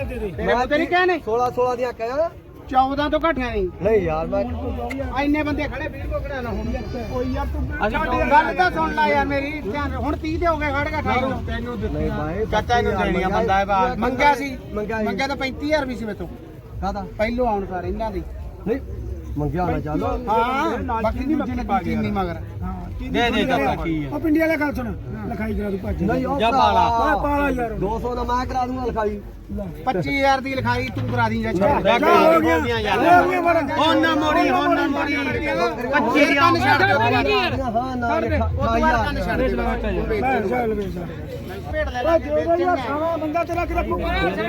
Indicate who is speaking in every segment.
Speaker 1: ਮੈਂ ਤੇਰੀ ਕਹਿ
Speaker 2: 16 ਦੀਆਂ ਕਹਿਆ
Speaker 1: 14 ਤੋਂ ਘਟਿਆ
Speaker 2: ਨਹੀਂ ਯਾਰ ਮੈਂ
Speaker 1: ਇੰਨੇ ਬੰਦੇ ਖੜੇ ਵੀਰ ਕੋ ਖੜਾ ਨਾ ਹੁਣ ਕੋਈ ਯਾਰ ਤੂੰ ਗੱਲ ਤਾਂ ਸੁਣ ਲੈ ਯਾਰ ਮੇਰੀ ਧਿਆਨ ਹੁਣ 30 ਦੇ ਹੋ ਗਏ ਖੜ ਗਿਆ ਤੈਨੂੰ
Speaker 2: ਨਹੀਂ ਬਾਈ
Speaker 1: ਚਾਚਾ ਇਹਨੂੰ ਦੇਣੀਆਂ ਬੰਦਾ ਹੈ ਬਾਹਰ ਮੰਗਿਆ ਸੀ ਮੰਗਿਆ ਤਾਂ 35000 ਵੀ ਸੀ ਮੇਤੋਂ
Speaker 2: ਕਾਹਦਾ
Speaker 1: ਪਹਿਲੋਂ ਆਉਣ ਸਾਰ ਇਹਨਾਂ ਦੀ
Speaker 2: ਨਹੀਂ ਮੰਗਿਆ ਨਾ ਚੱਲ
Speaker 1: ਹਾਂ ਬਾਕੀ ਨਹੀਂ ਚੀਨੀ ਮਗਰ
Speaker 3: ਦੇ ਚਾਚਾ ਕੀ ਹੈ
Speaker 1: ਉਹ ਪਿੰਡੀ ਵਾਲਾ ਗੱਲ ਸੁਣ ਲਿਖਾਈ ਕਰਾ ਦੂ ਭੱਜ
Speaker 2: ਨਹੀਂ ਉਹ
Speaker 3: ਜਾ ਪਾਲਾ
Speaker 1: ਪਾਲਾ ਯਾਰ
Speaker 2: 200 ਦਾ ਮੈਂ ਕਰਾ ਦੂੰਗਾ ਲਿਖਾਈ
Speaker 1: 25000 ਦੀ ਲਿਖਾਈ ਤੂੰ ਕਰਾ ਦੀ ਜਾਂ ਛੱਡ
Speaker 3: ਹੋ ਗਿਆ ਹੁਣ ਨਾ ਮੋੜੀ
Speaker 1: 25 ਕੰਨ ਛੱਡ ਦੇ
Speaker 2: ਹਾਂ ਨਾ ਲਿਖਾਈ
Speaker 1: ਕੰਨ ਛੱਡ ਦੇ ਭੇਡ ਲੈ ਲੈ ਖਾਵਾ ਬੰਦਾ ਤੇਰਾ ਕਿ ਰੱਖੂ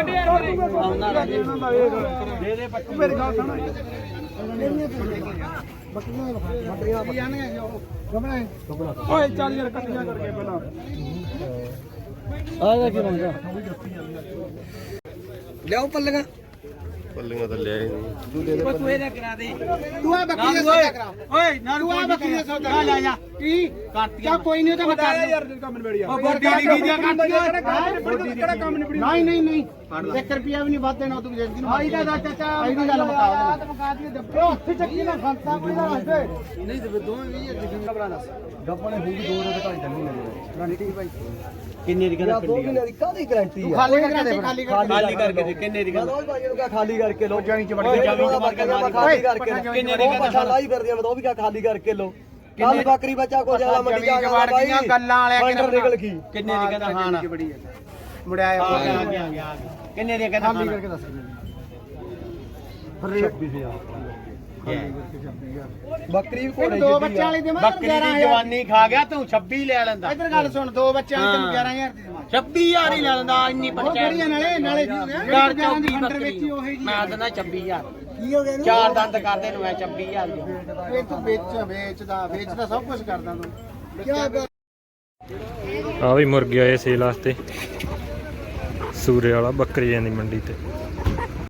Speaker 3: ਦੇ ਦੇ
Speaker 1: ਮੇਰੀ ਗੱਲ ਸੁਣ ਓਏ ਚੱਲ ਯਾਰ ਕੱਟੀਆਂ ਕਰਕੇ ਪਹਿਲਾਂ
Speaker 2: ਆਇਆ ਕੀ ਮੰਗਾ ਲਿਆਓ ਪੱਲੀਆਂ
Speaker 4: ਤਾਂ ਲਿਆ ਹੀ ਨਹੀਂ
Speaker 3: ਤੂੰ ਇਹਦਾ ਕਰਾ ਦੇ
Speaker 1: ਤੂੰ ਆ ਬੱਕਰੀ ਦਾ ਸੌਦਾ ਕਰਾ
Speaker 3: ਓਏ ਨਾ
Speaker 1: ਤੂੰ ਆ ਬੱਕਰੀ ਦਾ ਸੌਦਾ
Speaker 3: ਲੈ ਜਾ
Speaker 1: ਕੀ ਕਰਤੀਆਂ ਕੋਈ ਨਹੀਂ ਤਾਂ ਮੈਂ ਕਰ ਯਾਰ ਕੰਮ ਨਿਬੜਿਆ
Speaker 3: ਉਹ ਬੋਡੀ ਦੀ ਕੀ ਦੀਆਂ ਕਰਤੀਆਂ
Speaker 1: ਕਿਹੜਾ ਕੰਮ ਨਿਬੜਿਆ ਨਹੀਂ 1 ਰੁਪਿਆ ਵੀ ਨਹੀਂ ਵਾਧੇ ਨਾ ਤੂੰ ਜਿੰਦਗੀ ਨੂੰ ਆਈ ਦਾ ਚਾਚਾ ਆਈ ਦੀ ਗੱਲ ਮੁਕਾ ਦੇ ਉਹ ਹੱਥ ਚੱਕੀ ਨਾ ਖੰਤਾ ਕੋਈ ਨਾ ਹੱਥੇ ਨਹੀਂ ਤੇ ਦੋਵੇਂ ਵੀ ਗੱਪਣਾ ਦੱਸ
Speaker 2: ਗੱਪਣੇ ਹੋ ਗਈ 2 ਰੁਪਏ ਘੱਟ ਨਹੀਂ ਮਿਲਦੇ
Speaker 1: ਰਾਣੀ ਠੀਕ ਭਾਈ
Speaker 3: ਕਿੰਨੇ ਦੀ
Speaker 2: ਯਾਰ 2 ਮਹੀਨੇ ਦੀ ਕਾਹਦੀ ਗਾਰੰਟੀ ਆ
Speaker 1: ਖਾਲੀ ਕਰਕੇ ਖਾਲੀ
Speaker 3: ਖਾਲੀ ਕਰਕੇ ਦੇ ਕਿੰਨੇ ਦੀ
Speaker 2: ਮੈਂ ਰੋਜ਼ ਭਾਈ ਨੂੰ ਕਿਹਾ ਖਾਲੀ ਕਰਕੇ ਲੋ
Speaker 1: ਜਾਣੀ ਚ ਵੜ
Speaker 2: ਓਏ
Speaker 1: ਕੇ
Speaker 2: ਜਾਵੀ ਚ ਵੜ ਕੇ ਖਾਲੀ ਕਰਕੇ
Speaker 3: ਕਿੰਨੇ ਦੀ
Speaker 2: ਕਹਿੰਦਾ ਲਾਈ ਫਿਰਦੀ ਆ ਮੈਂ ਤਾਂ ਉਹ ਵੀ ਕਿਹਾ ਖਾਲੀ ਕਰਕੇ ਲੋ ਕੱਲ ਬੱਕਰੀ ਬੱਚਾ ਕੋ ਜਾਲਾ ਮੰਡੀ ਜਾ ਕੇ ਬਾਈ
Speaker 1: ਗੱਲਾਂ ਵਾਲਿਆਂ
Speaker 2: ਫੰਡਰ ਨਿਕਲ ਗਈ
Speaker 3: ਕਿੰਨੇ ਦੀ ਕਹਿੰਦਾ ਹਾਂ ਨਾ
Speaker 1: ਬੜੀ ਹੈ ਮੁੜਿਆ
Speaker 3: ਆ ਗਿਆ ਕਿੰਨੇ ਦੀ ਕਹਿੰਦਾ
Speaker 1: ਖਾਲੀ ਕਰਕੇ ਦੱਸ
Speaker 2: ਫਿਰ 26000 ਬੱਕਰੀ ਵੀ ਘੋੜੇ
Speaker 1: ਦੋ ਬੱਚਿਆਂ ਵਾਲੀ ਦੇ ਮੈਂ
Speaker 3: ਬੱਕਰੀ ਦੀ ਜਵਾਨੀ ਖਾ ਗਿਆ ਤੂੰ 26 ਲੈ ਲੈਂਦਾ
Speaker 1: ਇੱਧਰ ਗੱਲ ਸੁਣ ਦੋ ਬੱਚਿਆਂ ਵਾਲੀ ਤੈਨੂੰ 11000 ਦੀ ਦੇਵਾਂ
Speaker 3: 26000 ਹੀ ਲੈ ਲੈਂਦਾ ਇੰਨੀ
Speaker 1: ਉਹ
Speaker 3: ਪੰਚਾਇਤ
Speaker 1: ਕਿਹੜੀਆਂ ਨਾਲੇ
Speaker 3: ਘਰ
Speaker 1: ਦੀ
Speaker 3: 24
Speaker 1: ਫੰਡਰ
Speaker 3: ਬੱਕਰੀ
Speaker 1: ਵੇਚੀ ਉਹੀ ਜੀ
Speaker 3: ਮੈਂ ਦਿੰਦਾ 26000
Speaker 1: ਕੀ ਹੋ ਗਿਆ
Speaker 3: ਚਾਰ ਦੰਦ ਕਰਦੇ ਨੂੰ ਮੈਂ 26000 ਦੀ
Speaker 1: ਇਹ ਤੂੰ ਵੇਚਦਾ ਸਭ ਕੁਝ ਕਰਦਾ ਤੂੰ
Speaker 5: ਆ ਵੀ ਮੁਰਗੇ ਆਏ ਸੇਲ ਵਾਸਤੇ ਸੂਰੇ ਵਾਲਾ ਬੱਕਰੀਆਂ ਦੀ ਮੰਡੀ ਤੇ